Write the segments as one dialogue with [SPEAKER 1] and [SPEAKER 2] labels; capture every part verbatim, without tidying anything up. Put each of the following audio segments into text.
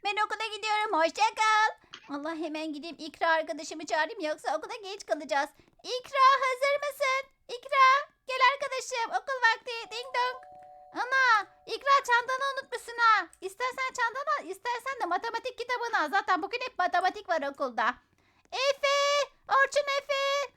[SPEAKER 1] ben okula gidiyorum. Hoşça kal. Allah hemen gideyim İkra arkadaşımı çağırayım yoksa okula geç kalacağız. İkra hazır mısın? İkra gel arkadaşım okul vakti ding dong. Ana İkra çantanı unutmuşsun ha. İstersen çantanı al istersen de matematik kitabını al. Zaten bugün hep matematik var okulda. Efe, Orçun Efe,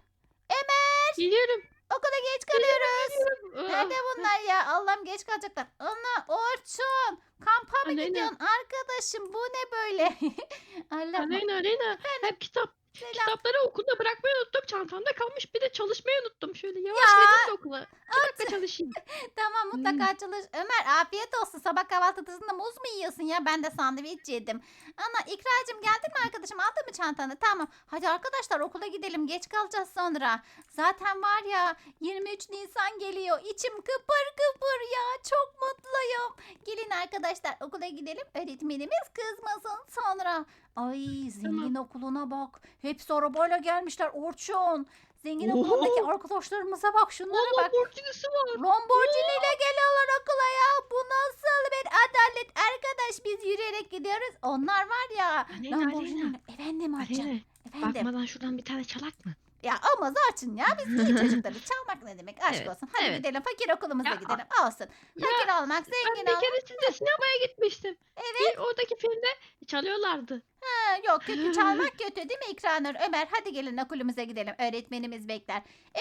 [SPEAKER 1] Ömer
[SPEAKER 2] Geliyorum.
[SPEAKER 1] okula geç kalıyoruz.
[SPEAKER 2] Geliyorum.
[SPEAKER 1] Nerede
[SPEAKER 2] Ah,
[SPEAKER 1] bunlar ya? Allah'ım geç kalacaklar. Ana Orçun kampa mı
[SPEAKER 2] Aleyna.
[SPEAKER 1] gidiyorsun arkadaşım? Bu ne böyle? Allah'ım
[SPEAKER 2] Aleyna Aleyna.
[SPEAKER 1] efendim
[SPEAKER 2] Hep kitap.
[SPEAKER 1] selam.
[SPEAKER 2] Kitapları okulda bırakmayı unuttum. Çantamda kalmış. Bir de çalışmayı unuttum. Şöyle yavaş
[SPEAKER 1] Ya
[SPEAKER 2] gideyim de okula. İki dakika çalışayım.
[SPEAKER 1] tamam
[SPEAKER 2] Hmm.
[SPEAKER 1] mutlaka çalış. Ömer afiyet olsun. Sabah kahvaltısında muz mu yiyorsun ya? Ben de sandviç yedim. Ana İkracığım geldin mi arkadaşım? Aldın mı çantanı? Tamam. Hadi arkadaşlar okula gidelim. Geç kalacağız sonra. Zaten var ya yirmi üç Nisan geliyor. İçim kıpır kıpır ya. Çok mutluyum. Gelin arkadaşlar okula gidelim. Öğretmenimiz kızmasın sonra. Ay zengin okuluna bak. Hepsi arabayla gelmişler Orçun. Zengin
[SPEAKER 2] Oho.
[SPEAKER 1] okulundaki arkadaşlarımıza bak şunlara
[SPEAKER 2] Allah
[SPEAKER 1] bak.
[SPEAKER 2] borcunuz var.
[SPEAKER 1] Lamborghini ile geliyorlar okula ya. Bu nasıl bir adalet arkadaş biz yürüyerek gidiyoruz. Onlar var ya.
[SPEAKER 2] Aleyna
[SPEAKER 1] Lamborghini.
[SPEAKER 2] Aleyna.
[SPEAKER 1] Efendim Orçun.
[SPEAKER 2] Aleyna.
[SPEAKER 1] Efendim.
[SPEAKER 2] Bakmadan şuradan bir tane çalak mı?
[SPEAKER 1] Ya olmaz Orçun ya. Biz iyi çocuklarız. Çalmak ne demek? Aşk
[SPEAKER 2] Evet,
[SPEAKER 1] olsun. Hadi
[SPEAKER 2] evet.
[SPEAKER 1] gidelim. Fakir okulumuza
[SPEAKER 2] Ya,
[SPEAKER 1] gidelim. Olsun.
[SPEAKER 2] Ya
[SPEAKER 1] Fakir olmak,
[SPEAKER 2] ben
[SPEAKER 1] zengin
[SPEAKER 2] bir
[SPEAKER 1] olmak.
[SPEAKER 2] kere sizle sinemaya gitmiştim.
[SPEAKER 1] Evet.
[SPEAKER 2] Bir oradaki filmde çalıyorlardı.
[SPEAKER 1] Ha, yok kötü çalmak kötü değil mi İkranur? Ömer hadi gelin okulumuza gidelim. Öğretmenimiz bekler.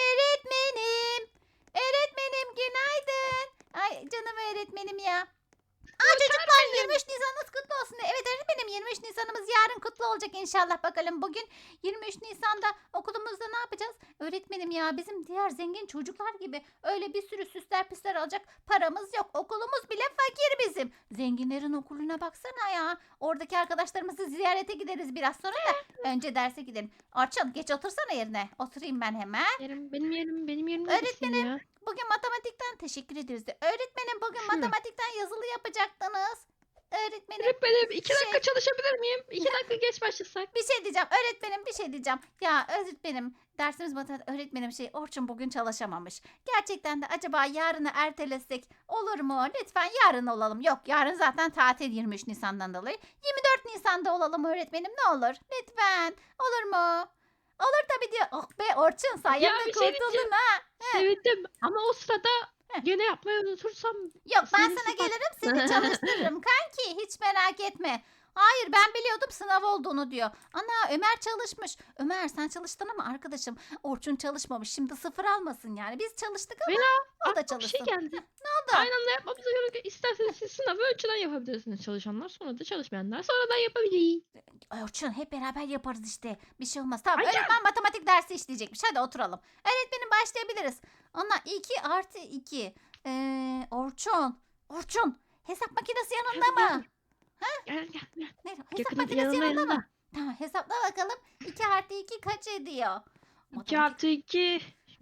[SPEAKER 1] Öğretmenim. Öğretmenim günaydın. Ay canım öğretmenim ya. Aa çocuklar yirmi üç Nisan'ınız kutlu olsun. Evet öğretmenim yirmi üç Nisan'ımız yarın kutlu olacak inşallah bakalım. Bugün yirmi üç Nisan'da okulumuzda ne yapacağız? Öğretmenim ya bizim diğer zengin çocuklar gibi öyle bir sürü süsler püsler alacak paramız yok. Okulumuz bile fakir bizim. Zenginlerin okuluna baksana ya. Oradaki arkadaşlarımızı ziyarete gideriz biraz sonra da önce derse gidelim. Orçun geç otursana yerine. Oturayım ben hemen.
[SPEAKER 2] Yerim, benim yerim, benim yerim
[SPEAKER 1] Öğretmenim.
[SPEAKER 2] neredesin ya?
[SPEAKER 1] Bugün matematikten teşekkür ederiz de. Öğretmenim bugün
[SPEAKER 2] Hı.
[SPEAKER 1] matematikten yazılı yapacaktınız. Öğretmenim
[SPEAKER 2] Öğretmenim iki
[SPEAKER 1] şey-
[SPEAKER 2] dakika çalışabilir miyim? İki dakika geç başlasak.
[SPEAKER 1] bir şey diyeceğim. Öğretmenim bir şey diyeceğim. Ya öğretmenim dersimiz matematik öğretmenim şey Orçun bugün çalışamamış. Gerçekten de acaba yarını ertelesek olur mu? Lütfen yarın olalım. Yok yarın zaten tatil yirmi üç Nisan'dan dolayı. yirmi dört Nisan'da olalım öğretmenim ne olur? Lütfen. Olur mu? Olur tabii diyor. Oh be Orçun sayende
[SPEAKER 2] bir şey
[SPEAKER 1] kurtuldun
[SPEAKER 2] diyeceğim.
[SPEAKER 1] ha.
[SPEAKER 2] Sevindim ama o sırada
[SPEAKER 1] Heh.
[SPEAKER 2] gene yapmayı unutursam
[SPEAKER 1] Yok ben
[SPEAKER 2] Seni
[SPEAKER 1] sana
[SPEAKER 2] sıfat-
[SPEAKER 1] gelirim seni çalıştırırım kanki hiç merak etme. Hayır ben biliyordum sınav olduğunu diyor. Ana Ömer çalışmış. Ömer sen çalıştın ama arkadaşım Orçun çalışmamış. Şimdi sıfır almasın yani. Biz çalıştık ama
[SPEAKER 2] Veya
[SPEAKER 1] o da
[SPEAKER 2] aklıma bir şey
[SPEAKER 1] çalışsın.
[SPEAKER 2] geldi.
[SPEAKER 1] Ne oldu?
[SPEAKER 2] Aynı anda yapmamıza gerek yok. İsterseniz siz sınavı önceden yapabilirsiniz çalışanlar. Sonra da çalışmayanlar sonradan yapabilir.
[SPEAKER 1] Ay Orçun hep beraber yaparız işte. Bir şey olmaz. Tamam
[SPEAKER 2] Ay ya.
[SPEAKER 1] öğretmen matematik dersi işleyecekmiş. Hadi oturalım. Öğretmenim başlayabiliriz. Ana iki artı iki. Ee, Orçun. Orçun. Hesap makinesi yanında mı?
[SPEAKER 2] Gel gel gel.
[SPEAKER 1] Ne? Hesap
[SPEAKER 2] Yakın,
[SPEAKER 1] makinesi
[SPEAKER 2] yanında,
[SPEAKER 1] yanında
[SPEAKER 2] yanında.
[SPEAKER 1] mı? Tamam hesapla bakalım. iki artı iki kaç ediyor?
[SPEAKER 2] iki artı iki.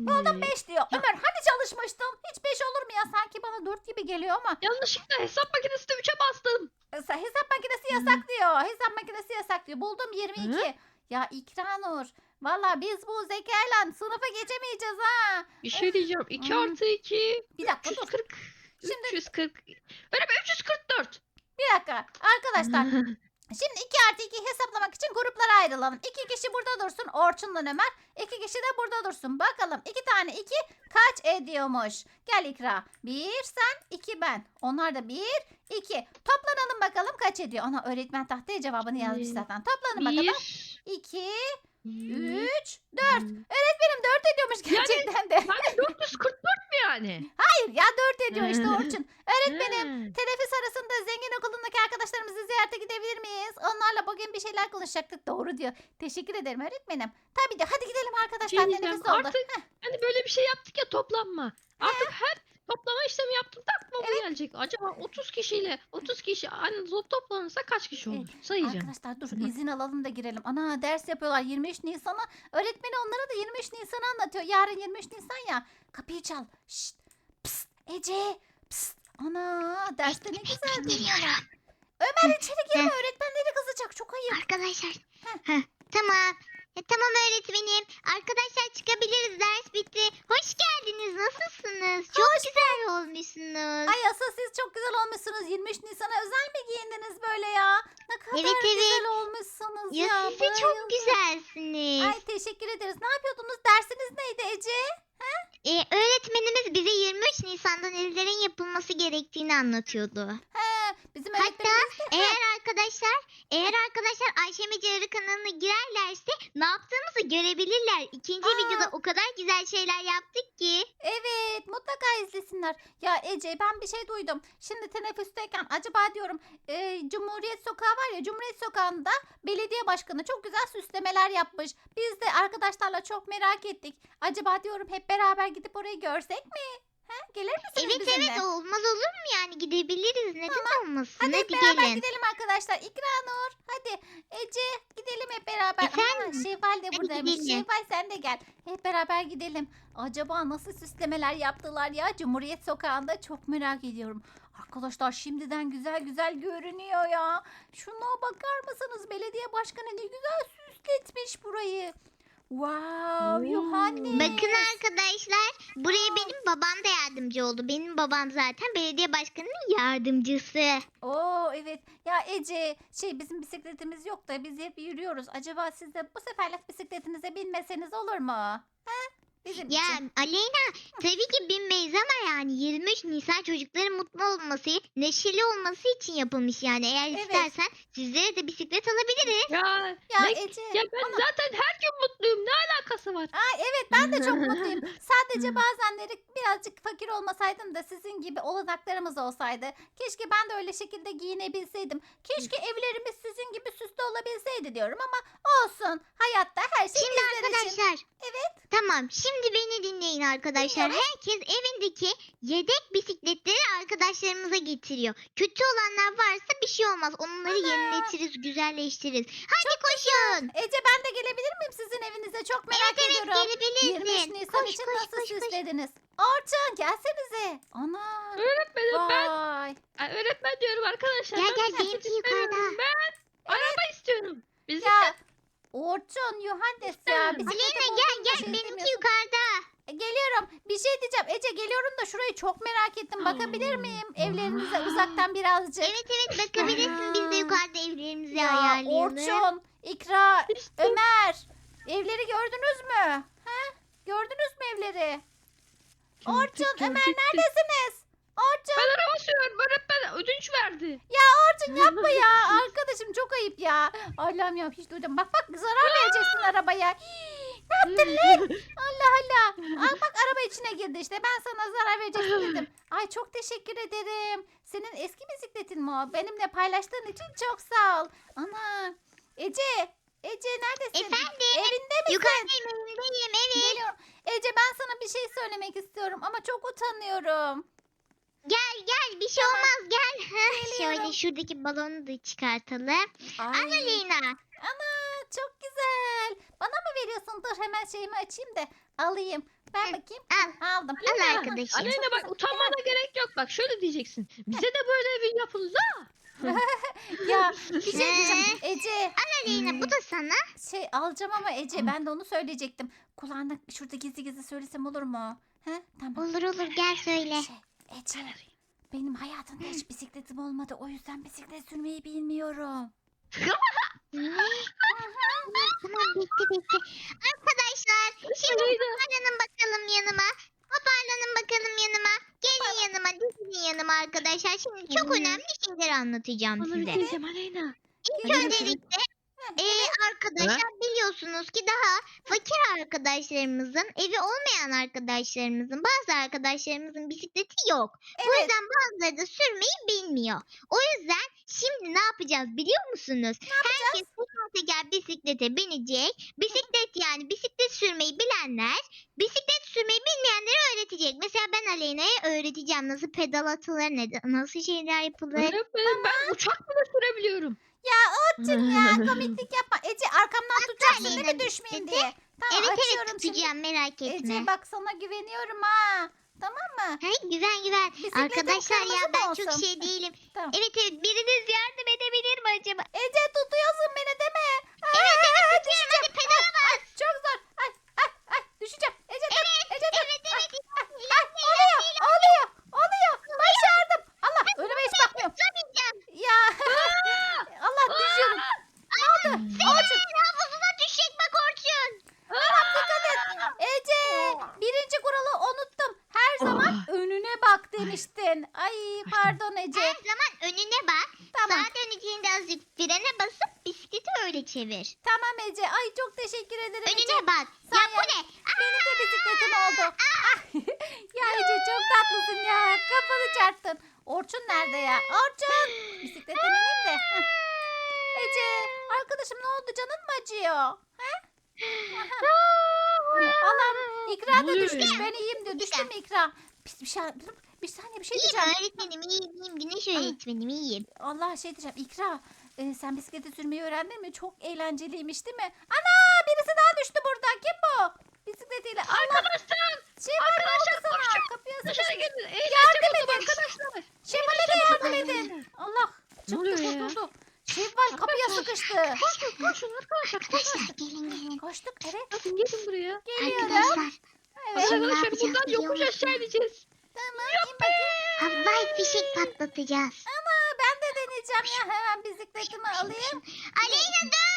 [SPEAKER 1] beş diyor. Ömer hani çalışmıştın? Hiç beş olur mu ya? Sanki bana dört gibi geliyor ama.
[SPEAKER 2] Yanlışlıkla hesap makinesinde üçe bastım.
[SPEAKER 1] Mesela hesap makinesi yasak diyor. Hesap makinesi yasak diyor. Buldum yirmi iki. Ya İkranur. Valla biz bu zekayla sınıfa geçemeyeceğiz ha.
[SPEAKER 2] Bir şey diyeceğim. iki
[SPEAKER 1] Hmm.
[SPEAKER 2] artı iki.
[SPEAKER 1] Bir dakika
[SPEAKER 2] üç yüz
[SPEAKER 1] dur.
[SPEAKER 2] kırk.
[SPEAKER 1] Şimdi-
[SPEAKER 2] üç yüz kırk. Öyle mi? üç yüz kırk dört.
[SPEAKER 1] Bir dakika. Arkadaşlar şimdi iki artı iki hesaplamak için gruplara ayrılalım. iki kişi burada dursun. Orçun'la Ömer. iki kişi de burada dursun. Bakalım iki tane iki kaç ediyormuş? Gel İkra. bir sen iki ben. Onlar da bir iki. Toplanalım bakalım kaç ediyor? Ana öğretmen tahtaya cevabını yazmış
[SPEAKER 2] Bir,
[SPEAKER 1] zaten. Toplanın bakalım.
[SPEAKER 2] bir.
[SPEAKER 1] iki,
[SPEAKER 2] üç.
[SPEAKER 1] üç, dört. Öğretmenim dört ediyormuş gerçekten de.
[SPEAKER 2] Yani dört yüz kırk dört mü yani?
[SPEAKER 1] Hayır ya dört ediyor işte Orçun. Öğretmenim
[SPEAKER 2] Ha.
[SPEAKER 1] teneffüs arasında zengin okulundaki arkadaşlarımızı ziyarete gidebilir miyiz? Onlarla bugün bir şeyler konuşacaktık. Doğru diyor. Teşekkür ederim öğretmenim. Tabii diyor. Hadi gidelim
[SPEAKER 2] Şey
[SPEAKER 1] arkadaşlar.
[SPEAKER 2] diyeceğim,
[SPEAKER 1] Teneffüs oldu.
[SPEAKER 2] artık hani böyle bir şey yaptık ya toplanma. Artık her toplama işlemi yaptığımda aklıma bu gelecek. Acaba otuz kişiyle otuz kişi aynı top toplanırsa kaç kişi olur? Sayacağım.
[SPEAKER 1] Arkadaşlar dur
[SPEAKER 2] Hı.
[SPEAKER 1] izin alalım da girelim. Ana ders yapıyorlar yirmi üç Nisan'a. Öğretmeni onlara da yirmi üç Nisan'ı anlatıyor. Yarın yirmi üç Nisan ya. Kapıyı çal. Şşt. Psst. Ece. Psst. Ana derste ne güzel dinliyorlar. Ömer içeri girme öğretmenleri kızacak. Çok ayıp.
[SPEAKER 3] Arkadaşlar. Heh, tamam. E, tamam öğretmenim. Arkadaşlar çıkabiliriz. Ders bitti. Hoş geldiniz. Nasılsınız? Çok güzel olmuşsunuz.
[SPEAKER 1] Ay asıl siz çok güzel olmuşsunuz. yirmi üç Nisan'a özel mi giyindiniz böyle ya? Ne kadar
[SPEAKER 3] Evet, evet.
[SPEAKER 1] güzel olmuşsunuz
[SPEAKER 3] Ya
[SPEAKER 1] ya.
[SPEAKER 3] siz de çok
[SPEAKER 1] bayıldım.
[SPEAKER 3] güzelsiniz.
[SPEAKER 1] Ay teşekkür ederiz. Ne yapıyordunuz? Dersiniz neydi Ece?
[SPEAKER 3] Ee, öğretmenimiz bize yirmi üç Nisan'da nelerin yapılması gerektiğini anlatıyordu.
[SPEAKER 1] He, bizim
[SPEAKER 3] Hatta
[SPEAKER 1] öğretmenimiz de.
[SPEAKER 3] eğer arkadaşlar eğer arkadaşlar Ayşe Mecarı kanalına girerlerse ne yaptığımızı görebilirler. İkinci
[SPEAKER 1] Aa.
[SPEAKER 3] videoda o kadar güzel şeyler yaptık ki.
[SPEAKER 1] Evet, mutlaka izlesinler. Ya Ece, ben bir şey duydum. Şimdi teneffüsteyken acaba diyorum e, Cumhuriyet Sokağı var ya, Cumhuriyet Sokağı'nda belediye başkanı çok güzel süslemeler yapmış. Biz de arkadaşlarla çok merak ettik. Acaba diyorum hep beraber gidip orayı görsek mi? He? Gelir misiniz
[SPEAKER 3] Evet
[SPEAKER 1] bizimle?
[SPEAKER 3] evet olmaz olur mu yani gidebiliriz neden olmasın
[SPEAKER 1] Hadi hep
[SPEAKER 3] hadi
[SPEAKER 1] beraber
[SPEAKER 3] gelin.
[SPEAKER 1] gidelim arkadaşlar. İkranur, hadi Ece gidelim hep beraber.
[SPEAKER 3] Efendim?
[SPEAKER 1] Aa, Şevval de
[SPEAKER 3] Hadi
[SPEAKER 1] buradaymış.
[SPEAKER 3] gidelim.
[SPEAKER 1] Şevval sen de gel. Hep beraber gidelim. Acaba nasıl süslemeler yaptılar ya Cumhuriyet Sokağı'nda, çok merak ediyorum. Arkadaşlar şimdiden güzel güzel görünüyor ya. Şuna bakar mısınız? Belediye başkanı ne güzel süsletmiş burayı. Wow,
[SPEAKER 2] Oo.
[SPEAKER 1] Yuhannes.
[SPEAKER 3] Bakın arkadaşlar buraya benim babam da yardımcı oldu. Benim babam zaten belediye başkanının yardımcısı.
[SPEAKER 1] Oo evet. Ya Ece, şey bizim bisikletimiz yok da biz hep yürüyoruz. Acaba siz de bu seferlik bisikletinize binmeseniz olur mu? He? Bizim
[SPEAKER 3] Ya
[SPEAKER 1] için.
[SPEAKER 3] Aleyna tabii ki binmeyiz ama yani yirmi üç Nisan çocukların mutlu olması, neşeli olması için yapılmış yani. Eğer
[SPEAKER 1] Evet.
[SPEAKER 3] istersen sizlere de bisiklet alabiliriz.
[SPEAKER 2] Ya,
[SPEAKER 1] Ya
[SPEAKER 2] ne-
[SPEAKER 1] Ece.
[SPEAKER 2] ya ben zaten her gün mutluyum. Ne alakası var?
[SPEAKER 1] Ay evet, ben de çok mutluyum. Sadece bazenleri birazcık fakir olmasaydım da sizin gibi olanaklarımız olsaydı. Keşke ben de öyle şekilde giyinebilseydim. Keşke evlerimiz sizin gibi süslü olabilseydi diyorum ama olsun. Hayatta her şey
[SPEAKER 3] Şimdi
[SPEAKER 1] bizler için.
[SPEAKER 3] arkadaşlar.
[SPEAKER 1] Evet.
[SPEAKER 3] Tamam şimdi beni dinleyin arkadaşlar.
[SPEAKER 1] Dinliyoruz.
[SPEAKER 3] Herkes evindeki yedek bisikletleri arkadaşlarımıza getiriyor. Kötü olanlar varsa bir şey olmaz. Onları yeniletiriz, güzelleştiririz. Hadi koşun.
[SPEAKER 1] Ece, ben de gelebilir miyim sizin evinize? Çok merak
[SPEAKER 3] Evet evet
[SPEAKER 1] ediyorum. yirmi üç
[SPEAKER 3] gelebilirsin.
[SPEAKER 1] Nisan
[SPEAKER 3] Koş
[SPEAKER 1] için
[SPEAKER 3] koş
[SPEAKER 1] nasıl
[SPEAKER 3] koş koş.
[SPEAKER 1] süslediniz? Orçun gelsenize. Ana.
[SPEAKER 2] Öğretmenim ben.
[SPEAKER 1] Vay.
[SPEAKER 2] Ay, öğretmen diyorum arkadaşlar.
[SPEAKER 3] Gel,
[SPEAKER 2] ben
[SPEAKER 3] gel,
[SPEAKER 2] bisiklet
[SPEAKER 3] benimki
[SPEAKER 2] istemiyorum.
[SPEAKER 3] yukarıda.
[SPEAKER 2] Ben araba istiyorum. Bisiklet.
[SPEAKER 1] Ya Orçun, Yuhannes ya.
[SPEAKER 2] İstemem.
[SPEAKER 1] bisiklete
[SPEAKER 3] Aleyna
[SPEAKER 1] bulduğunda
[SPEAKER 3] gel gel
[SPEAKER 1] şey
[SPEAKER 3] benimki
[SPEAKER 1] demiyorsun.
[SPEAKER 3] yukarıda.
[SPEAKER 1] E, Geliyorum. Bir şey diyeceğim. Ece geliyorum da şurayı çok merak ettim. Bakabilir
[SPEAKER 2] Oo.
[SPEAKER 1] miyim? Evlerinize
[SPEAKER 2] Wow.
[SPEAKER 1] uzaktan birazcık.
[SPEAKER 3] Evet evet bakabilirsin biz de yukarıda evlerimizi
[SPEAKER 1] Ya
[SPEAKER 3] ayarlayalım.
[SPEAKER 1] Orçun, İkra,
[SPEAKER 2] İşte.
[SPEAKER 1] Ömer. Evleri gördünüz mü? He? Gördünüz mü evleri? Orçun,
[SPEAKER 2] Gördük,
[SPEAKER 1] Ömer
[SPEAKER 2] gördük.
[SPEAKER 1] neredesiniz? Orçun,
[SPEAKER 2] Ben araba sürüyorum. Öğretmen ödünç verdi.
[SPEAKER 1] Orçun yapma ya. Arkadaşım çok ayıp ya. Allah'ım ya, hiç duydum. Bak bak, zarar vereceksin arabaya. Hii, ne yaptın lan? Allah Allah. Al bak, araba içine girdi işte. Ben sana zarar vereceksin dedim. Ay çok teşekkür ederim. Senin eski bisikletin mi o? Benimle paylaştığın için çok sağ ol. Ana. Ece. Ece neredesin?
[SPEAKER 3] Efendim
[SPEAKER 1] Evinde misin?
[SPEAKER 3] yukarıdayım evimdeyim evet.
[SPEAKER 1] Geliyorum. Ece, ben sana bir şey söylemek istiyorum ama çok utanıyorum.
[SPEAKER 3] Gel gel bir şey olmaz gel. Heh,
[SPEAKER 1] Geliyorum.
[SPEAKER 3] şöyle şuradaki balonu da çıkartalım.
[SPEAKER 1] Ay.
[SPEAKER 3] Al Aleyna.
[SPEAKER 1] Ana çok güzel. Bana mı veriyorsun? Dur hemen şeyimi açayım da alayım. Ver
[SPEAKER 3] Hı,
[SPEAKER 1] bakayım.
[SPEAKER 3] al.
[SPEAKER 1] Aldım.
[SPEAKER 3] Al
[SPEAKER 2] Aleyna,
[SPEAKER 3] arkadaşım.
[SPEAKER 2] Aleyna bak
[SPEAKER 1] güzel.
[SPEAKER 2] utanmana gerek yok. Bak şöyle diyeceksin. Bize de böyle evi yapın la.
[SPEAKER 1] Ya bir şey diyeceğim. Ece,
[SPEAKER 3] Al Aleyna bu da sana.
[SPEAKER 1] şey alacağım ama Ece, ben de onu söyleyecektim. Kulağına şurada gizli gizli söylesem olur mu? He? Tamam.
[SPEAKER 3] Olur olur gel söyle.
[SPEAKER 1] Şey, Ece, benim hayatımda hiç bisikletim olmadı. O yüzden bisiklet sürmeyi bilmiyorum.
[SPEAKER 3] Ne? Tamam bekle bekle. Arkadaşlar şimdi
[SPEAKER 2] Aleyna.
[SPEAKER 3] toparlanın bakalım yanıma. Toparlanın bakalım yanıma. Gelin yanıma dizilin yanıma arkadaşlar. Şimdi çok
[SPEAKER 2] Aleyna.
[SPEAKER 3] önemli şeyler anlatacağım
[SPEAKER 2] Bana bir
[SPEAKER 3] size.
[SPEAKER 2] şey diyeceğim Aleyna.
[SPEAKER 3] İlk
[SPEAKER 2] Aleyna,
[SPEAKER 3] öncelikle e, arkadaşlar biliyorsunuz ki daha fakir arkadaşlarımızın, evi olmayan arkadaşlarımızın, bazı arkadaşlarımızın bisikleti yok. Bu
[SPEAKER 1] Evet.
[SPEAKER 3] yüzden bazıları da sürmeyi bilmiyor. O yüzden şimdi ne yapacağız biliyor musunuz? Herkes teker teker bisiklete binecek. Bisiklet yani bisiklet sürmeyi bilenler bisiklet sürmeyi bilmeyenlere öğretecek. Mesela ben Aleyna'ya öğreteceğim nasıl pedal atılır, ne- nasıl şeyler yapılır.
[SPEAKER 2] Öğretmenim ben uçak bile sürebiliyorum.
[SPEAKER 1] Ya Orçun ya, komiklik yapma. Ece, arkamdan tutacaksın değil mi,
[SPEAKER 3] Aleyna
[SPEAKER 1] düşmeyeyim
[SPEAKER 3] bisikleti.
[SPEAKER 1] diye. Tamam,
[SPEAKER 3] Evet evet
[SPEAKER 1] açıyorum şimdi.
[SPEAKER 3] tutacağım merak etme.
[SPEAKER 1] Ece bak, sana güveniyorum ha. Tamam mı?
[SPEAKER 3] Hey, güven güven.
[SPEAKER 1] Bisikletin
[SPEAKER 3] Arkadaşlar ya
[SPEAKER 1] kırmızı mı
[SPEAKER 3] ben
[SPEAKER 1] olsun?
[SPEAKER 3] çok şey değilim.
[SPEAKER 1] Tamam.
[SPEAKER 3] Evet evet biriniz yardım edebilir mi acaba?
[SPEAKER 1] Ece, tutuyorsun beni değil mi?
[SPEAKER 3] Evet
[SPEAKER 1] Aa,
[SPEAKER 3] evet tutuyorum
[SPEAKER 1] düşeceğim.
[SPEAKER 3] hadi pedala bas.
[SPEAKER 1] Ay, çok zor. Ay ay ay, düşeceğim. Ece dur. Ece dur.
[SPEAKER 3] Evet evet.
[SPEAKER 1] Ay, oluyor oluyor oluyor. Başardım. Allah, önüme hiç bakmıyorum.
[SPEAKER 3] Tutamayacağım.
[SPEAKER 1] Ya Allah, düşüyorum Pardon Ece.
[SPEAKER 3] Her zaman önüne bak.
[SPEAKER 1] Tamam.
[SPEAKER 3] Sağa döneceğinde azıcık frene basıp bisikleti öyle çevir.
[SPEAKER 1] Tamam Ece. Ay çok teşekkür ederim Ece.
[SPEAKER 3] Önüne bak.
[SPEAKER 1] Sen
[SPEAKER 3] Ya
[SPEAKER 1] yap.
[SPEAKER 3] bu ne?
[SPEAKER 1] Benim de bisikletim oldu. Ah! Ya Ece çok tatlısın ya. Kafanı çarptın. Orçun nerede ya? Orçun. Bisiklete bineyim de. Heh. Ece arkadaşım ne oldu? Canın mı acıyor? Allah'ım İkra da
[SPEAKER 2] Ne oluyor
[SPEAKER 1] düşmüş.
[SPEAKER 2] ya?
[SPEAKER 1] Ben iyiyim diyor. Düştü mü İkra? Pis bir şey. Bir saniye bir şey
[SPEAKER 3] İyiyim
[SPEAKER 1] diyeceğim.
[SPEAKER 3] öğretmenim iyiyim iyiyim. Güneş öğretmenim iyiyim.
[SPEAKER 1] Allah şey diyeceğim. İkra e, sen bisikleti sürmeyi öğrendin mi? Çok eğlenceliymiş değil mi? Ana birisi daha düştü burada. Kim bu? Bisikletiyle. Allah
[SPEAKER 2] Arkadaşlar.
[SPEAKER 1] şey var ne oldu
[SPEAKER 2] Arkadaşlar,
[SPEAKER 1] sana?
[SPEAKER 2] koşun.
[SPEAKER 1] Kapıya
[SPEAKER 2] Dışarı
[SPEAKER 1] sıkışmış.
[SPEAKER 2] gelin.
[SPEAKER 1] Yardım
[SPEAKER 2] Eğlence buldum
[SPEAKER 1] edin.
[SPEAKER 2] arkadaşlar.
[SPEAKER 1] Şevval'e de yardım edin. Allah.
[SPEAKER 2] Ne
[SPEAKER 1] Çıktı
[SPEAKER 2] oluyor ya?
[SPEAKER 1] kurtuldu. Şevval kapıya
[SPEAKER 2] Arkadaşlar.
[SPEAKER 1] sıkıştı.
[SPEAKER 2] Koşun koşun arkadaşlar. Koşun.
[SPEAKER 3] Arkadaşlar gelin gelin.
[SPEAKER 1] Koştuk evet.
[SPEAKER 2] Bakın gelin buraya.
[SPEAKER 1] Geliyorum.
[SPEAKER 3] Arkadaşlar
[SPEAKER 1] Evet.
[SPEAKER 3] Şimdi ne
[SPEAKER 2] Arkadaşlar
[SPEAKER 3] yapacağız
[SPEAKER 2] buradan
[SPEAKER 3] biliyor
[SPEAKER 2] yokuş
[SPEAKER 3] musun?
[SPEAKER 2] aşağı ineceğiz.
[SPEAKER 1] Tamam in bakayım.
[SPEAKER 3] havai fişek patlatacağız.
[SPEAKER 1] Ama ben de deneyeceğim ya. Hemen bisikletimi alayım.
[SPEAKER 3] Aleyna dur.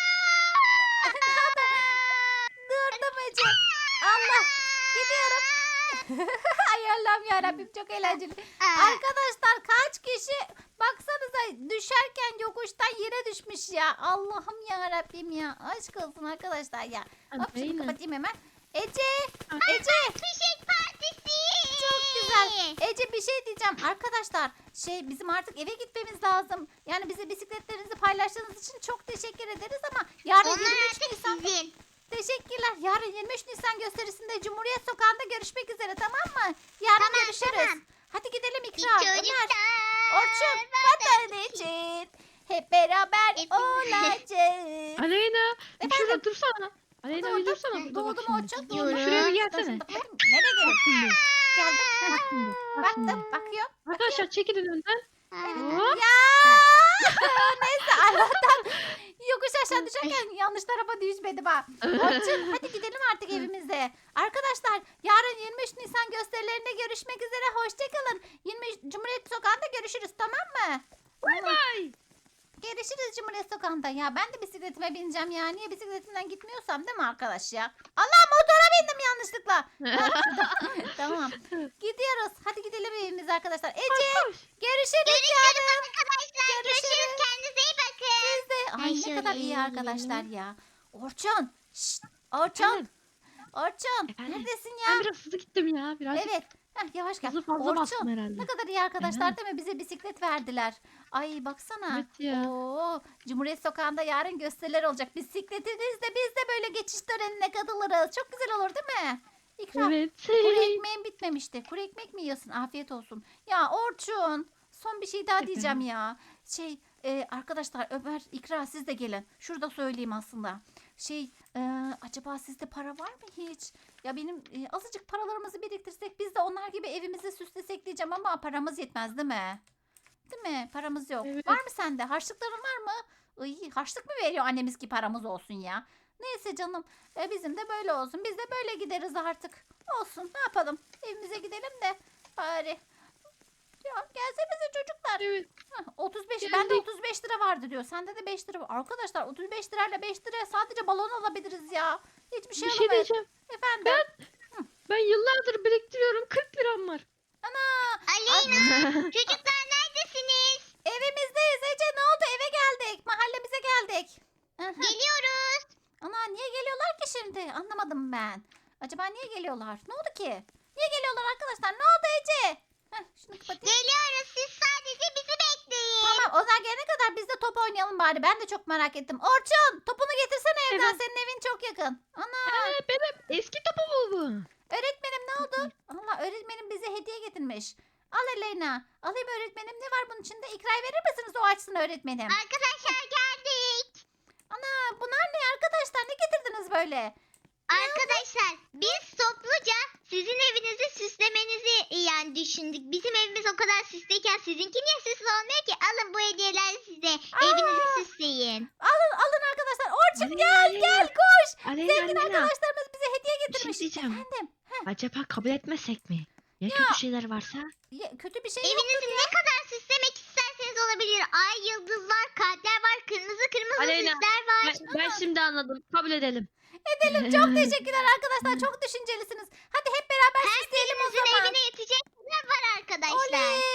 [SPEAKER 1] Durdum Ece. Allah. Gidiyorum. Ay Allah'ım yarabbim çok eğlenceli.
[SPEAKER 3] Aa,
[SPEAKER 1] Arkadaşlar kaç kişi baksanıza düşerken yokuştan yere düşmüş ya. Allah'ım ya Rabbim ya. Aşk olsun arkadaşlar ya. Hop şunu
[SPEAKER 2] Aleyna.
[SPEAKER 1] kapatayım hemen. Ece. Ece.
[SPEAKER 3] Fişek partisi.
[SPEAKER 1] Çok güzel. Ece bir şey diyeceğim. Arkadaşlar şey bizim artık eve gitmemiz lazım. Yani bize bisikletlerinizi paylaştığınız için çok teşekkür ederiz ama yarın
[SPEAKER 3] Onlar
[SPEAKER 1] yirmi üç
[SPEAKER 3] artık
[SPEAKER 1] Nisan.
[SPEAKER 3] sizin.
[SPEAKER 1] Teşekkürler. Yarın yirmi üç Nisan gösterisinde Cumhuriyet Sokağı'nda görüşmek üzere tamam mı? Yarın
[SPEAKER 3] Tamam,
[SPEAKER 1] görüşürüz.
[SPEAKER 3] tamam.
[SPEAKER 1] Hadi gidelim
[SPEAKER 3] Bir
[SPEAKER 1] İkra. Ömer.
[SPEAKER 3] çocuklar.
[SPEAKER 1] Orçun vatan için hep beraber
[SPEAKER 3] Hep-
[SPEAKER 1] olacağız.
[SPEAKER 2] Aleyna.
[SPEAKER 1] Efendim?
[SPEAKER 2] Şurada dursana. Aleyna
[SPEAKER 1] Doğdum.
[SPEAKER 2] bir dursana burada
[SPEAKER 1] Doğdum
[SPEAKER 2] bak şimdi.
[SPEAKER 1] Orçun.
[SPEAKER 3] Gidiyorum.
[SPEAKER 2] Şuraya bir gelsene.
[SPEAKER 1] Dur, dur, bakayım. Nereye gelin?
[SPEAKER 2] Şimdi.
[SPEAKER 1] Geldim.
[SPEAKER 2] Bak şimdi. Bak şimdi.
[SPEAKER 1] Baktım. Bakıyorum.
[SPEAKER 2] Arkadaşlar çekilin önden. Hop.
[SPEAKER 1] Ya neyse Allah'tan yokuş aşağı düşerken yanlış tarafa düşmedim ha. Orçun hadi gidelim artık evimize. Arkadaşlar yarın yirmi üç Nisan gösterilerinde görüşmek üzere. Hoşçakalın. yirmi üç Cumhuriyet Sokağı'nda görüşürüz tamam mı?
[SPEAKER 2] Bay bay.
[SPEAKER 1] Görüşürüz Cumhuriyet Sokağı'nda. Ya ben de bisikletime bineceğim ya. Niye bisikletimden gitmiyorsam değil mi arkadaş ya? Allah motora bindim yanlışlıkla. Tamam. Gidiyoruz. Hadi gidelim evimize arkadaşlar. Ece
[SPEAKER 2] Koş.
[SPEAKER 1] görüşürüz yarın.
[SPEAKER 3] Arkadaşlar görüşürüz. Kendinize iyi bakın.
[SPEAKER 1] Siz de. Ay
[SPEAKER 3] Ben
[SPEAKER 1] ne kadar
[SPEAKER 3] şöyle
[SPEAKER 1] iyi
[SPEAKER 3] eğileyim.
[SPEAKER 1] arkadaşlar ya. Orçun. Şşt, Orçun.
[SPEAKER 2] Efendim?
[SPEAKER 1] Orçun.
[SPEAKER 2] Efendim?
[SPEAKER 1] Neredesin
[SPEAKER 2] Ben
[SPEAKER 1] ya?
[SPEAKER 2] biraz hızlı gittim ya. Birazcık
[SPEAKER 1] Evet. Heh, yavaş gel.
[SPEAKER 2] hızlı fazla bastım
[SPEAKER 1] Orçun.
[SPEAKER 2] herhalde.
[SPEAKER 1] Ne kadar iyi arkadaşlar
[SPEAKER 2] Evet.
[SPEAKER 1] değil mi? Bize bisiklet verdiler. Ay baksana.
[SPEAKER 2] Evet ya.
[SPEAKER 1] Oo, Cumhuriyet Sokağı'nda yarın gösteriler olacak. Bisikletinizle biz de böyle geçiş törenine katılırız. Çok güzel olur değil mi? İkram.
[SPEAKER 2] Evet.
[SPEAKER 1] Kuru ekmeğin bitmemişti. Kuru ekmek mi yiyorsun? Afiyet olsun. Ya Orçun. Son bir şey daha diyeceğim ya. Şey e, arkadaşlar Ömer, İkra siz de gelin. Şurada söyleyeyim aslında. Şey e, acaba sizde para var mı hiç? Ya benim e, azıcık paralarımızı biriktirsek biz de onlar gibi evimizi süslesek diyeceğim ama paramız yetmez değil mi? Değil mi? Paramız yok.
[SPEAKER 2] Evet.
[SPEAKER 1] Var mı sende? Harçlıkların var mı? Iy, harçlık mı veriyor annemiz ki paramız olsun ya? Neyse canım. E, bizim de böyle olsun. Biz de böyle gideriz artık. Olsun. Ne yapalım? Evimize gidelim de bari. Ya gelsenize çocuklar.
[SPEAKER 2] Evet.
[SPEAKER 1] Hah, otuz beş.
[SPEAKER 2] Geldik.
[SPEAKER 1] Bende otuz beş lira vardı diyor. Sende de beş lira var. Arkadaşlar otuz beş lirayla beş liraya sadece balon alabiliriz ya. Hiçbir şey
[SPEAKER 2] Bir şey
[SPEAKER 1] alamayız.
[SPEAKER 2] diyeceğim.
[SPEAKER 1] Efendim.
[SPEAKER 2] Ben ben yıllardır biriktiriyorum. kırk liram var.
[SPEAKER 3] Aleyna çocuklar neredesiniz?
[SPEAKER 1] Evimizdeyiz Ece. Ne oldu? Eve geldik. Mahallemize geldik. Aha.
[SPEAKER 3] Geliyoruz.
[SPEAKER 1] Ana niye geliyorlar ki şimdi? Anlamadım ben. Acaba niye geliyorlar? Ne oldu ki? Niye geliyorlar arkadaşlar? Ne oldu Ece? Heh, şunu kapatayım.
[SPEAKER 3] Geliyoruz. Siz sadece bizi bekleyin.
[SPEAKER 1] Tamam onlar gelene kadar biz de top oynayalım bari. Ben de çok merak ettim. Orçun topunu getirsene evden.
[SPEAKER 2] Evet.
[SPEAKER 1] Senin evin çok yakın. Ana
[SPEAKER 2] Ee, benim eski topum bu bu.
[SPEAKER 1] öğretmenim ne oldu? Allah öğretmenim bize hediye getirmiş. Al Elena. Alayım öğretmenim. Ne var bunun içinde? İkra'ya verir misiniz? O açsın öğretmenim.
[SPEAKER 3] Arkadaşlar geldik.
[SPEAKER 1] Ana bunlar ne arkadaşlar? Ne getirdiniz böyle?
[SPEAKER 3] Arkadaşlar biz topluca sizin evinizi süslemenizi yani düşündük. Bizim evimiz o kadar süslüyken sizinki niye süslü olmuyor ki? Alın bu hediyeler size.
[SPEAKER 1] Aa!
[SPEAKER 3] Evinizi süsleyin.
[SPEAKER 1] Alın alın arkadaşlar. Orçun
[SPEAKER 2] Aleyna,
[SPEAKER 1] gel
[SPEAKER 2] Aleyna.
[SPEAKER 1] gel koş.
[SPEAKER 2] Aleyna
[SPEAKER 1] Zengin
[SPEAKER 2] Aleyna.
[SPEAKER 1] arkadaşlarımız bize hediye
[SPEAKER 2] Bir şey
[SPEAKER 1] getirmiş.
[SPEAKER 2] diyeceğim.
[SPEAKER 1] Efendim.
[SPEAKER 2] Acaba kabul etmesek mi? Ya, kötü şeyler varsa?
[SPEAKER 1] Ya, kötü bir şey yok.
[SPEAKER 3] Evinizi ne kadar süslemek isterseniz olabilir. Ay, yıldızlar, kalpler var, kırmızı kırmızı
[SPEAKER 2] Aleyna,
[SPEAKER 3] süsler var.
[SPEAKER 2] Ben, ben şimdi anladım. Kabul edelim.
[SPEAKER 1] Edelim. Çok teşekkürler arkadaşlar. Çok düşüncelisiniz. Hadi hep beraber süsleyelim o
[SPEAKER 3] Herkesin
[SPEAKER 1] zaman.
[SPEAKER 3] evine yetecek kadar var arkadaşlar.
[SPEAKER 1] Oley.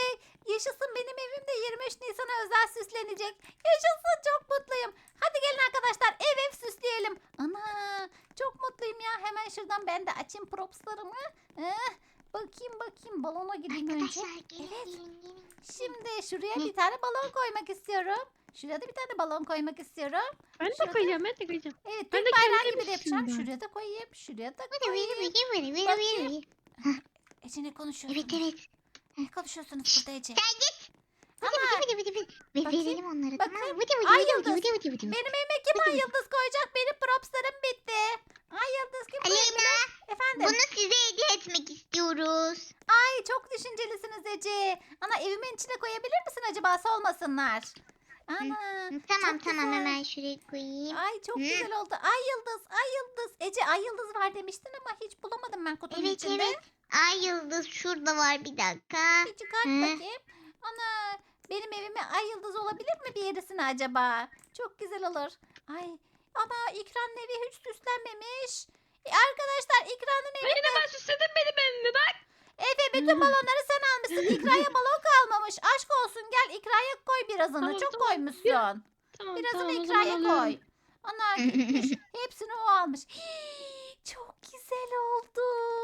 [SPEAKER 1] Yaşasın, benim evim de yirmi üç Nisan'a özel süslenecek. Yaşasın, çok mutluyum. Hadi gelin arkadaşlar, ev ev süsleyelim. Ana, çok mutluyum ya. Hemen şuradan ben de açayım propslarımı. Eh, bakayım bakayım, balona gideyim önce.
[SPEAKER 3] Arkadaşlar gelin
[SPEAKER 1] Evet.
[SPEAKER 3] gelin gelin.
[SPEAKER 1] Şimdi şuraya
[SPEAKER 3] Ne?
[SPEAKER 1] bir tane balon koymak istiyorum. Şuraya da bir tane balon koymak istiyorum.
[SPEAKER 2] Ben de
[SPEAKER 1] Şurada-
[SPEAKER 2] koyacağım ben de koyacağım.
[SPEAKER 1] Evet,
[SPEAKER 2] Ben
[SPEAKER 1] Türk
[SPEAKER 2] de
[SPEAKER 1] bayrağı
[SPEAKER 2] kendi
[SPEAKER 1] gibi de yapacağım.
[SPEAKER 2] yapıştırayım ben.
[SPEAKER 1] Şuraya da koyayım, şuraya da
[SPEAKER 3] Vıdı vıdı
[SPEAKER 1] koyayım.
[SPEAKER 3] vıdı vıdı vıdı
[SPEAKER 1] Bakayım.
[SPEAKER 3] vıdı.
[SPEAKER 1] Ece, ne konuşuyorsunuz?
[SPEAKER 3] Evet evet.
[SPEAKER 1] Ne konuşuyorsunuz burada Ece?
[SPEAKER 3] Sen git. Vıdı
[SPEAKER 1] Ama
[SPEAKER 3] vıdı vıdı vıdı. Ve
[SPEAKER 1] Bakayım,
[SPEAKER 3] verelim onlara tamam
[SPEAKER 1] bakayım.
[SPEAKER 3] mı? Vıdı vıdı
[SPEAKER 1] Ay
[SPEAKER 3] vıdı
[SPEAKER 1] yıldız.
[SPEAKER 3] vıdı vıdı vıdı.
[SPEAKER 1] benim evime kim
[SPEAKER 3] Hadi
[SPEAKER 1] ay yıldız koyacak? Benim propslarım bitti. Ay yıldız kim koyabilir?
[SPEAKER 3] Aleyna
[SPEAKER 1] Efendim?
[SPEAKER 3] bunu size hediye etmek istiyoruz.
[SPEAKER 1] Ay çok düşüncelisiniz Ece. Ana, evimin içine koyabilir misin acaba, solmasınlar? Ana.
[SPEAKER 3] Tamam
[SPEAKER 1] çok
[SPEAKER 3] tamam
[SPEAKER 1] güzel.
[SPEAKER 3] hemen şuraya koyayım.
[SPEAKER 1] Ay çok
[SPEAKER 3] Hı.
[SPEAKER 1] güzel oldu. Ay yıldız, ay yıldız. Ece, ay yıldız var demiştin ama hiç bulamadım ben kutunun
[SPEAKER 3] Evet
[SPEAKER 1] içinde.
[SPEAKER 3] evet. Ay yıldız şurada var bir dakika.
[SPEAKER 1] Bir çıkart
[SPEAKER 3] Hı.
[SPEAKER 1] bakayım. Ana, benim evime ay yıldız olabilir mi bir yerisine acaba? Çok güzel olur. Ay, ana, İkran'ın evi hiç süslenmemiş. E, arkadaşlar, İkran'ın evi...
[SPEAKER 2] Aleyna ben süsledim benim evimi bak.
[SPEAKER 1] Efe, bütün balonları sen almışsın. İkra'ya balon kalmamış. Aşk olsun, gel İkra'ya koy birazını.
[SPEAKER 2] Tamam,
[SPEAKER 1] Çok
[SPEAKER 2] tamam.
[SPEAKER 1] koymuşsun.
[SPEAKER 2] Tamam
[SPEAKER 1] Birazını
[SPEAKER 2] tamam o zaman
[SPEAKER 1] İkra'ya
[SPEAKER 2] alıyorum.
[SPEAKER 1] koy. Ana, gitmiş. Hepsini o almış. Hii, çok güzel oldu.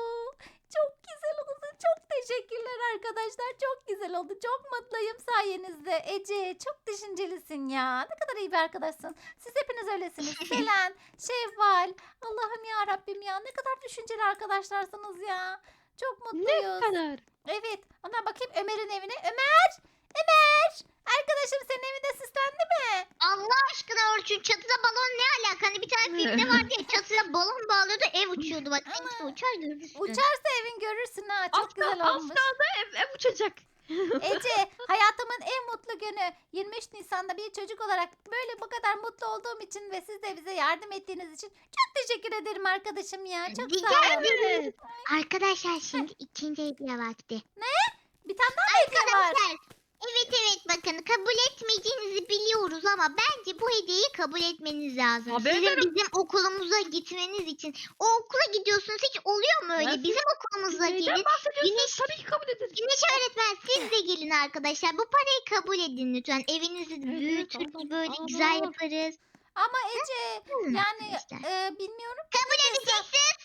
[SPEAKER 1] Çok güzel oldu. Çok teşekkürler arkadaşlar. Çok güzel oldu. Çok mutluyum sayenizde. Ece, çok düşüncelisin ya. Ne kadar iyi bir arkadaşsın. Siz hepiniz öylesiniz. Selen, Şevval. Allah'ım ya Rabbim ya. Ne kadar düşünceli arkadaşlarsınız ya. Çok
[SPEAKER 2] Ne
[SPEAKER 1] mutluyuz.
[SPEAKER 2] kadar?
[SPEAKER 1] Evet. Ona bakayım Ömer'in evine. Ömer! Ömer! Arkadaşım, senin evinde süslendi mi?
[SPEAKER 3] Allah aşkına Orçun çatıda balon ne alaka? Hani bir tane filmde vardı ya çatıda balon bağlıyordu ev uçuyordu. Bak
[SPEAKER 1] Ama
[SPEAKER 3] hangisi uçar görürsün.
[SPEAKER 1] Uçarsa evin görürsün ha. Çok
[SPEAKER 2] Az,
[SPEAKER 1] güzel
[SPEAKER 2] kal- az
[SPEAKER 1] olmuş.
[SPEAKER 2] kaldı ev, ev uçacak.
[SPEAKER 1] Ece, hayatımın en mutlu günü. yirmi üç Nisan'da bir çocuk olarak böyle bu kadar mutlu olduğum için ve siz de bize yardım ettiğiniz için çok teşekkür ederim arkadaşım ya. Çok
[SPEAKER 3] Rica
[SPEAKER 1] sağ olun.
[SPEAKER 2] Evet.
[SPEAKER 3] Arkadaşlar şimdi ikinci hediye vakti.
[SPEAKER 1] Bir tane daha mı hediye var?
[SPEAKER 3] Arkadaşlar evet evet bakın kabul etmeyeceğinizi biliyoruz ama bence bu hediyeyi kabul etmeniz lazım.
[SPEAKER 2] Tabii
[SPEAKER 3] Sizin
[SPEAKER 2] ederim.
[SPEAKER 3] bizim okulumuza gitmeniz için. O okula gidiyorsunuz hiç oluyor mu öyle?
[SPEAKER 2] Ben-
[SPEAKER 3] Bizim okulumuza
[SPEAKER 2] Neyden
[SPEAKER 3] gelin.
[SPEAKER 2] bahsediyorsunuz?
[SPEAKER 3] Güneş-
[SPEAKER 2] Tabii ki kabul ederiz.
[SPEAKER 3] Güneş öğretmen siz de gelin arkadaşlar. Bu parayı kabul edin lütfen. Evinizi
[SPEAKER 2] Evet,
[SPEAKER 3] büyütürüz
[SPEAKER 2] tamam,
[SPEAKER 3] böyle
[SPEAKER 2] tamam.
[SPEAKER 3] güzel yaparız.
[SPEAKER 1] Ama Ece,
[SPEAKER 3] Tamam
[SPEAKER 1] yani
[SPEAKER 3] arkadaşlar.
[SPEAKER 1] e, bilmiyorum.
[SPEAKER 3] Kabul edeceksiniz.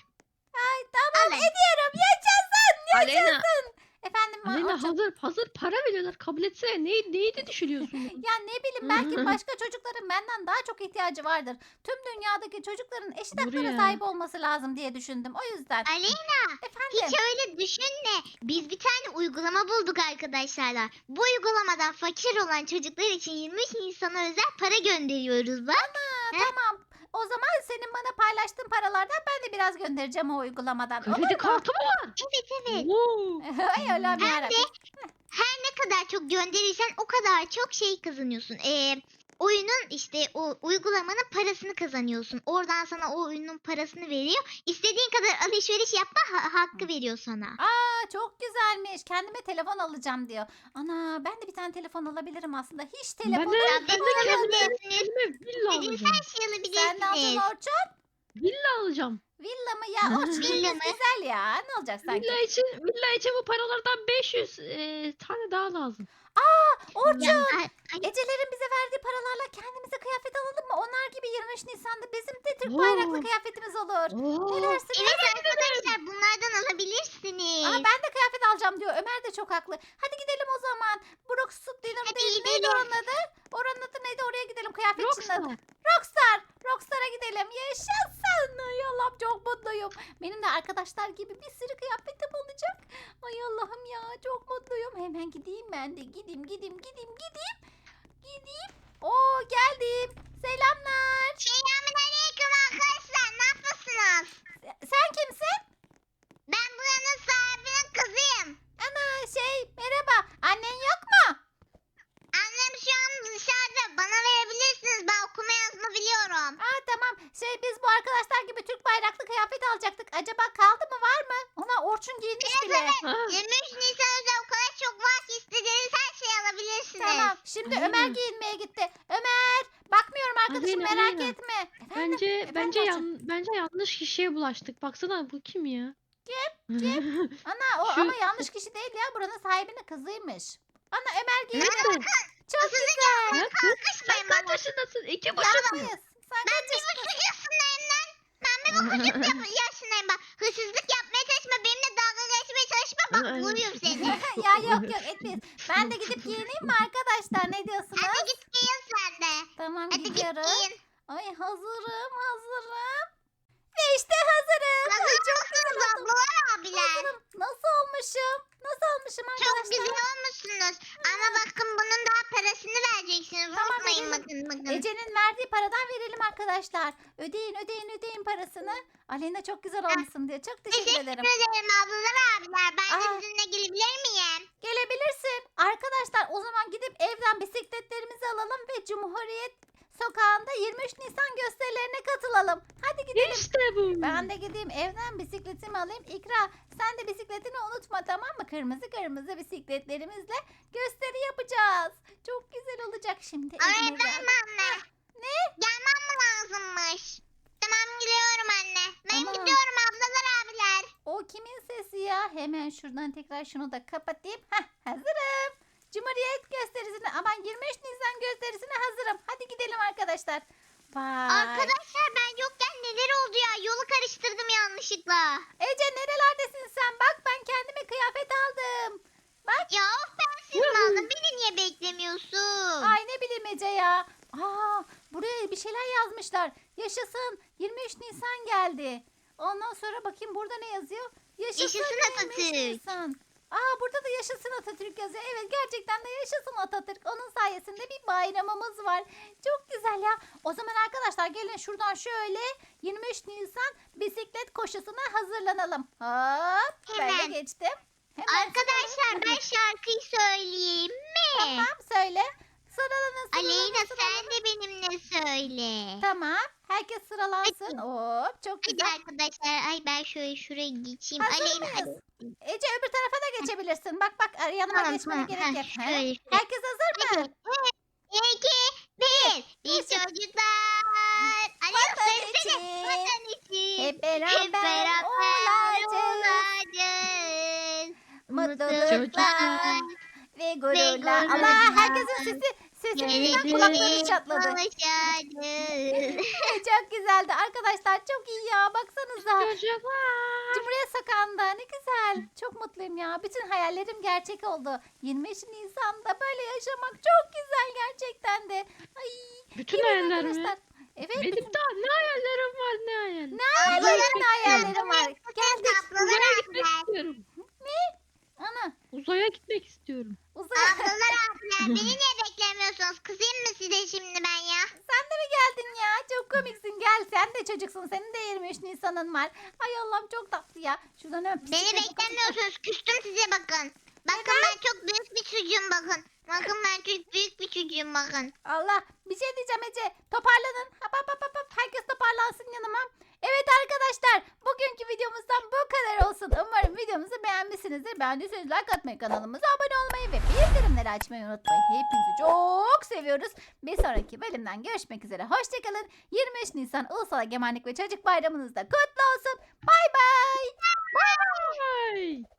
[SPEAKER 1] Ay tamam,
[SPEAKER 3] Alın.
[SPEAKER 1] ediyorum. Yaşasın.
[SPEAKER 2] Aleyna,
[SPEAKER 1] Efendim
[SPEAKER 2] Aleyna
[SPEAKER 1] Orçun?
[SPEAKER 2] hazır hazır para veriyorlar kabul etsene. Neyi, neyi de düşünüyorsun?
[SPEAKER 1] Ya ne bileyim, belki başka çocukların benden daha çok ihtiyacı vardır. Tüm dünyadaki çocukların eşit
[SPEAKER 2] Doğru
[SPEAKER 1] haklara
[SPEAKER 2] ya.
[SPEAKER 1] sahip olması lazım diye düşündüm. O yüzden.
[SPEAKER 3] Aleyna
[SPEAKER 1] Efendim.
[SPEAKER 3] hiç öyle düşünme. Biz bir tane uygulama bulduk arkadaşlarla. Bu uygulamadan fakir olan çocuklar için yirmi üç Nisan'a özel para gönderiyoruz bak.
[SPEAKER 1] Ha, tamam. O zaman senin bana paylaştığın paralardan ben de biraz göndereceğim o uygulamadan. Olur
[SPEAKER 2] Kredi
[SPEAKER 1] mu?
[SPEAKER 2] kartı mı var?
[SPEAKER 3] Evet evet.
[SPEAKER 2] Oo.
[SPEAKER 1] Ay Allah'ım
[SPEAKER 3] Hem
[SPEAKER 1] yarabbim.
[SPEAKER 3] Her ne kadar çok gönderirsen o kadar çok şey kazanıyorsun. Ee, oyunun işte o uygulamanın parasını kazanıyorsun. Oradan sana o oyunun parasını veriyor. İstediğin kadar alışveriş yapma ha- hakkı veriyor sana.
[SPEAKER 1] Aa, çok güzelmiş. Kendime telefon alacağım diyor. Ana, ben de bir tane telefon alabilirim aslında. Hiç
[SPEAKER 2] Ben
[SPEAKER 1] telefonum
[SPEAKER 2] de,
[SPEAKER 3] Ya,
[SPEAKER 2] ben de
[SPEAKER 3] ben
[SPEAKER 2] kendime
[SPEAKER 3] alabilirsiniz.
[SPEAKER 2] kendime villa
[SPEAKER 3] İstediğiniz
[SPEAKER 2] alacağım.
[SPEAKER 3] her şeyi
[SPEAKER 1] Sen ne alacaksın
[SPEAKER 3] alabilirsiniz.
[SPEAKER 1] Orçun?
[SPEAKER 2] Villa alacağım.
[SPEAKER 1] Villa mı ya? Orçun
[SPEAKER 3] Villa mı?
[SPEAKER 1] güzel ya. Ne olacak sanki?
[SPEAKER 2] Villa için villa için bu paralardan beş yüz e, tane daha lazım.
[SPEAKER 1] Orçun.
[SPEAKER 3] Ya, ay- ay-
[SPEAKER 1] Ecelerin bize verdiği paralarla kendimize kıyafet alalım mı? Onlar gibi yirmi üç Nisan'da bizim de Türk
[SPEAKER 2] Oo.
[SPEAKER 1] bayraklı kıyafetimiz olur. Ne
[SPEAKER 2] Oo.
[SPEAKER 1] dersiniz?
[SPEAKER 3] Evet arkadaşlar bunlardan alabilirsiniz.
[SPEAKER 1] Aa, ben de kıyafet alacağım diyor. Ömer de çok haklı. Hadi gidelim o zaman. Brooks Dinner
[SPEAKER 3] Hadi
[SPEAKER 1] değil. Neydi
[SPEAKER 3] gidelim.
[SPEAKER 1] oranın adı? Oranın adı neydi? Oraya gidelim. Kıyafetçinin adı.
[SPEAKER 2] Rockstar.
[SPEAKER 1] Rockstar. Rockstar'a gidelim. Yaşasın. Ay Allah'ım, çok mutluyum. Benim de arkadaşlar gibi bir sürü kıyafetim olacak. Ay Allah'ım ya, çok mutluyum. Hemen gideyim ben de. Gideyim gideyim gideyim gideyim. Gideyim. Oo, geldim. Selamlar.
[SPEAKER 3] Selamünaleyküm arkadaşlar. Ne yapıyorsunuz?
[SPEAKER 1] Se- Sen kimsin?
[SPEAKER 3] Ben buranın sahibinin kızıyım.
[SPEAKER 1] Ana, şey, merhaba. Annen yok mu?
[SPEAKER 3] Annem şu an dışarıda. Bana verebilirsiniz. Ben okuma yazma biliyorum.
[SPEAKER 1] Aa, tamam. Şey, biz bu arkadaşlar gibi Türk bayraklı kıyafet alacaktık. Acaba kaldı mı, var mı? Ona Orçun giymiş bile.
[SPEAKER 2] Ha.
[SPEAKER 3] yirmi üç Nisan özel o kadar çok var ki istediğiniz her şeyi alabilirsiniz.
[SPEAKER 1] Tamam. Şimdi
[SPEAKER 2] Aleyna.
[SPEAKER 1] Ömer giyinmeye gitti. Ömer, bakmıyorum arkadaşım,
[SPEAKER 2] Aleyna,
[SPEAKER 1] merak
[SPEAKER 2] Aleyna.
[SPEAKER 1] etme. Efendim?
[SPEAKER 2] Bence
[SPEAKER 1] efendim
[SPEAKER 2] bence
[SPEAKER 1] Orçun.
[SPEAKER 2] yan, bence yanlış kişiye bulaştık. Baksana bu kim ya?
[SPEAKER 1] Kim?
[SPEAKER 2] Kim?
[SPEAKER 1] Ana, o
[SPEAKER 2] Şu-
[SPEAKER 1] ama yanlış kişi değil ya. Buranın sahibinin kızıymış. Ana Ömer giydi.
[SPEAKER 2] Nerede?
[SPEAKER 1] Çok güzel.
[SPEAKER 2] Ya kız sen
[SPEAKER 3] Kalkışmayın
[SPEAKER 2] kaç
[SPEAKER 3] bana.
[SPEAKER 2] yaşındasın? İki buçuk mu?
[SPEAKER 1] Yapmayız. Sen
[SPEAKER 3] Ben
[SPEAKER 1] kaç
[SPEAKER 3] bir
[SPEAKER 1] yaşındasın?
[SPEAKER 3] buçuk yaşındayım lan. Ben bir buçuk yap- yaşındayım bak. Hırsızlık yapmaya çalışma. Benimle dalga geçmeye çalışma. Bak
[SPEAKER 2] Ay.
[SPEAKER 3] vuruyorum seni.
[SPEAKER 1] Ya yok yok etmeyiz. Ben de gidip giyineyim mi arkadaşlar? Ne diyorsunuz?
[SPEAKER 3] Hadi git giyin sen de.
[SPEAKER 1] Tamam
[SPEAKER 3] Hadi git
[SPEAKER 1] gidiyoruz.
[SPEAKER 3] giyin.
[SPEAKER 1] Ay hazırım hazırım. Ve işte hazırım. Ay,
[SPEAKER 3] Hazır
[SPEAKER 1] çok
[SPEAKER 3] mısınız
[SPEAKER 1] güzel oldum.
[SPEAKER 3] ablalar abiler?
[SPEAKER 1] Hazırım. Nasıl olmuşum? Nasıl olmuşum
[SPEAKER 3] Çok
[SPEAKER 1] arkadaşlar?
[SPEAKER 3] güzel olmuşsunuz. Ama bakın bunun daha parasını vereceksiniz.
[SPEAKER 1] Tamam,
[SPEAKER 3] Unutmayın
[SPEAKER 1] verelim.
[SPEAKER 3] bakın bakın.
[SPEAKER 1] Ece'nin verdiği paradan verelim arkadaşlar. Ödeyin ödeyin ödeyin parasını. Aleyna çok güzel olmuşsun diye. Çok teşekkür
[SPEAKER 3] Teşekkür
[SPEAKER 1] ederim.
[SPEAKER 3] ederim ablalar abiler. Ben de
[SPEAKER 1] Aa.
[SPEAKER 3] sizinle gelebilir miyim?
[SPEAKER 1] Gelebilirsin. Arkadaşlar o zaman gidip evden bisikletlerimizi alalım ve Cumhuriyet Sokağı'nda yirmi üç Nisan gösterilerine katılalım. Hadi gidelim.
[SPEAKER 2] İşte bu.
[SPEAKER 1] Ben de gideyim evden bisikletimi alayım. İkra sen de bisikletini unutma tamam mı? Kırmızı kırmızı bisikletlerimizle gösteri yapacağız. Çok güzel olacak şimdi. evime
[SPEAKER 3] Öğretmen
[SPEAKER 1] geldim.
[SPEAKER 3] mi anne? Ne? Gelmem mi lazımmış? Tamam gidiyorum anne. Ben
[SPEAKER 1] Tamam.
[SPEAKER 3] gidiyorum ablalar abiler.
[SPEAKER 1] O kimin sesi ya? Hemen şuradan tekrar şunu da kapatayım. Heh hazırım. Cumhuriyet gösterisine aman yirmi üç Nisan gösterisine hazırım. Hadi gidelim arkadaşlar. Vay.
[SPEAKER 3] Arkadaşlar ben yokken neler oldu ya? Yolu karıştırdım yanlışlıkla.
[SPEAKER 1] Ece nerelerdesin sen? Bak ben kendime kıyafet aldım.
[SPEAKER 3] Ya of ben sizin aldım. Beni niye beklemiyorsun?
[SPEAKER 1] Ay ne bileyim Ece ya. Aa, buraya bir şeyler yazmışlar. Yaşasın yirmi üç Nisan geldi. Ondan sonra bakayım burada ne yazıyor? Yaşasın,
[SPEAKER 3] Yaşasın
[SPEAKER 1] yirmi üç
[SPEAKER 3] Atatürk.
[SPEAKER 1] Nisan. Aa burada da yaşasın Atatürk yazıyor. Evet gerçekten de yaşasın Atatürk. Onun sayesinde bir bayramımız var. Çok güzel ya. O zaman arkadaşlar gelin şuradan şöyle yirmi üç Nisan bisiklet koşusuna hazırlanalım. Hop böyle
[SPEAKER 3] Hemen.
[SPEAKER 1] geçtim. Hemen
[SPEAKER 3] Arkadaşlar
[SPEAKER 1] sıralım.
[SPEAKER 3] ben şarkıyı söyleyeyim mi?
[SPEAKER 1] Tamam söyle. Sıralanın sıralanın.
[SPEAKER 3] Aleyna
[SPEAKER 1] sıralanın.
[SPEAKER 3] sen de benimle söyle.
[SPEAKER 1] Tamam. Herkes sıralansın. Hop çok
[SPEAKER 3] Hadi
[SPEAKER 1] güzel.
[SPEAKER 3] arkadaşlar ay ben şöyle şuraya geçeyim.
[SPEAKER 1] Hazır
[SPEAKER 3] Aleyna
[SPEAKER 1] mıyız?
[SPEAKER 3] hadi.
[SPEAKER 1] Ece öbür tarafa da geçebilirsin. Bak bak yanıma
[SPEAKER 3] Tamam,
[SPEAKER 1] geçmene
[SPEAKER 3] tamam.
[SPEAKER 1] gerek
[SPEAKER 3] Heh,
[SPEAKER 1] yok.
[SPEAKER 3] şöyle,
[SPEAKER 1] He?
[SPEAKER 3] şöyle.
[SPEAKER 1] Herkes hazır mı?
[SPEAKER 3] Hadi. İki, bir. Biz
[SPEAKER 1] Yaşa.
[SPEAKER 3] çocuklar. Aleyna
[SPEAKER 1] Vatan
[SPEAKER 3] söylesene.
[SPEAKER 1] için.
[SPEAKER 3] Vatan için.
[SPEAKER 1] Hep beraber,
[SPEAKER 3] Hep beraber
[SPEAKER 1] olacağız.
[SPEAKER 3] olacağız.
[SPEAKER 1] Mutluluklar ve gururlar.
[SPEAKER 3] gururlar.
[SPEAKER 1] Allah herkesin sesi sesinden kulakları çatladı.
[SPEAKER 3] Konuşacağız.
[SPEAKER 1] Çok güzeldi arkadaşlar. Çok iyi ya. Baksanıza.
[SPEAKER 2] Çocuklar.
[SPEAKER 1] Cumhuriyet Sokağı'nda ne güzel. Çok mutluyum ya. Bütün hayallerim gerçek oldu. yirmi üç Nisan'da böyle yaşamak çok güzel gerçekten de. Ay.
[SPEAKER 2] Bütün
[SPEAKER 1] gelin
[SPEAKER 2] hayaller mi?
[SPEAKER 1] arkadaşlar. Evet.
[SPEAKER 2] Benim
[SPEAKER 1] bütün-
[SPEAKER 2] daha ne hayallerim var ne hayal.
[SPEAKER 1] Ne hayallerin ne hayallerim var. Geldik.
[SPEAKER 2] Uzaya gitmek istiyorum.
[SPEAKER 1] Ana.
[SPEAKER 2] Uzaya gitmek istiyorum.
[SPEAKER 1] Uzay.
[SPEAKER 3] Ablalar abiler beni niye beklemiyorsunuz? Kızayım mı size şimdi ben ya?
[SPEAKER 1] Sen de mi geldin ya? Çok komiksin. Gel sen de çocuksun. Senin de yirmi üç Nisan'ın var. Ay Allah'ım çok tatlı ya. Şuradan öp.
[SPEAKER 3] Beni
[SPEAKER 1] bisiklet-
[SPEAKER 3] beklemiyorsunuz. Küstüm size bakın. Bakın ben çok büyük bir çocuğum bakın. Bakın ben çok büyük bir çocuğum bakın.
[SPEAKER 1] Allah bir şey diyeceğim Ece. Toparlanın. Hop hop hop hop. Herkes toparlansın yanıma. Evet arkadaşlar bugünkü videomuzdan bu kadar olsun. Umarım videomuzu beğenmişsinizdir. Beğendiyseniz like atmayı, kanalımıza abone olmayı ve bildirimleri açmayı unutmayın. Hepinizi çok seviyoruz. Bir sonraki bölümden görüşmek üzere. Hoşçakalın. yirmi üç Nisan Ulusal Egemenlik ve Çocuk Bayramınız da kutlu olsun. Bay bay.
[SPEAKER 2] Vay.